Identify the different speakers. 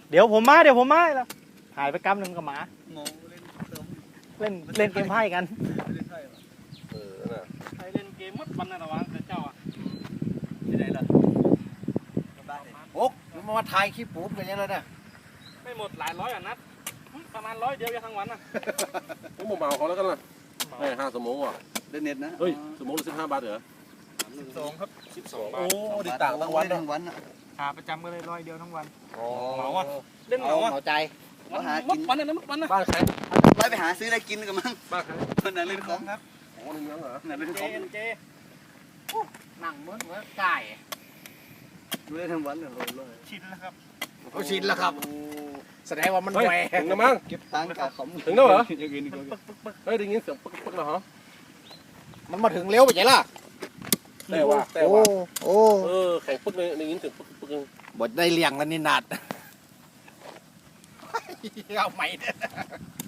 Speaker 1: เดี๋ยวผมมาแล้วหายไปกำหนึ่งกับหมา
Speaker 2: งงเล่นเติม
Speaker 1: เล่นเกมไพ่กัน
Speaker 2: เล่นไพ่เหรอ
Speaker 3: น่ะ
Speaker 4: ใครเล่นเกมมัดวันนะระวังแต่เจ้าอ่ะ
Speaker 2: ที่ไหนล่ะโอ๊กมันมาถ่ายคลิปผมกันยังไงเนี่ย
Speaker 4: ไม่หมดหลายร้อยอ่ะนัดประมาณ100 เดียวยังทั้งวันอ่ะ
Speaker 3: ผมบอกเมาเขาแล้วกันล่ะให้5 ชั่วโมงว่ะ
Speaker 2: เล่นเน็ตนะ
Speaker 3: เฮ้ยชั่วโมงละ15 บาทเหรอ
Speaker 4: 12ครับ12 บา
Speaker 3: โอ้
Speaker 4: ท
Speaker 3: ดิต่างทั้งวัน
Speaker 2: เล่นทั้งวันอ่ะ
Speaker 1: หาประจำก็เลย100 เดียวทั้งวัน
Speaker 4: เหมาอ่ะเล่นเหมาอ่ะ
Speaker 2: เหมาใจ
Speaker 4: วัน
Speaker 2: หา
Speaker 4: มั
Speaker 2: กิ
Speaker 4: ด
Speaker 2: น
Speaker 4: วันนะมัดวันนะ
Speaker 3: บ้านใคร
Speaker 2: ไล่ไปหาซื้อได้กินกันมั้ง
Speaker 3: บ้านใคร
Speaker 2: คนนั้นเล่นของครับ
Speaker 3: โอ้นึงยังเหรอ
Speaker 2: นั่นเล่น
Speaker 4: เจ
Speaker 2: ของ
Speaker 4: เจ
Speaker 1: นั่งเหมือนไก่
Speaker 2: ดูได้ทั้งวันเลยเลย
Speaker 4: ชินแล้วครับ
Speaker 1: เขาชินแล้วครับ แสดงว่ามัน
Speaker 3: เฮ้ย
Speaker 1: แหว
Speaker 3: ถึงแล้วมั้ง
Speaker 2: เก็บตังค์กับขม
Speaker 3: ถึงแล้วเหรอ
Speaker 2: ยังกินก็
Speaker 3: เฮ้ยได้ยินเสียงปึ๊กๆแล้วเหรอ
Speaker 1: มันมาถึงเร็วไปไหนล่ะ
Speaker 3: แต่ว่า
Speaker 1: โอ้
Speaker 3: แข่งปึ๊กเลยได้ยินเสียงปึ๊ก
Speaker 1: บดได้เลี้ยงแล้วนี่นัดเอาใหม่เด้อ